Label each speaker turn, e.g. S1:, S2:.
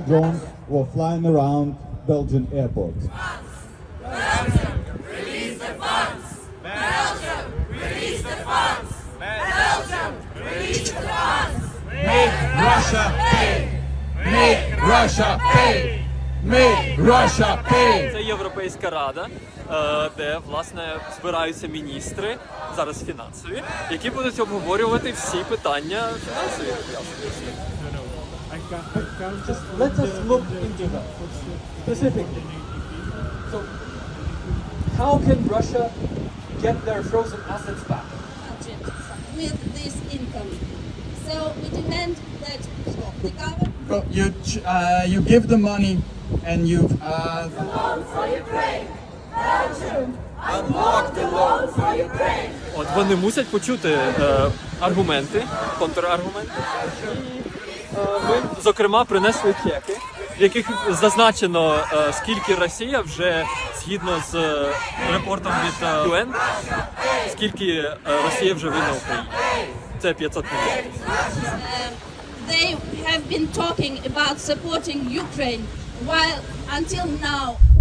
S1: drones were flying around Belgian airports.
S2: Release the funds! Belgium! Release the funds! Belgium! Release the funds!
S3: Make Russia pay! Make Russia pay! Make Russia pay!
S4: Це Європейська рада, де власне збираються міністри, зараз фінансові, які будуть обговорювати всі питання фінансові.
S5: Let us look into that specifically. So, how can Russia get their frozen assets back?
S6: budget with this income. So we demand that the government
S3: Well, you give the money and you
S2: Loan for Ukraine! Belgium! Unlock the loan for Ukraine!
S4: От вони мусять почути аргументи, контраргументи. І ми, зокрема, принесли чеки, в яких зазначено, скільки Росія вже, згідно з репортом від UN, скільки Росія вже винна Україні. Це 500 мільйонів.
S6: they have been talking about supporting Ukraine, while until now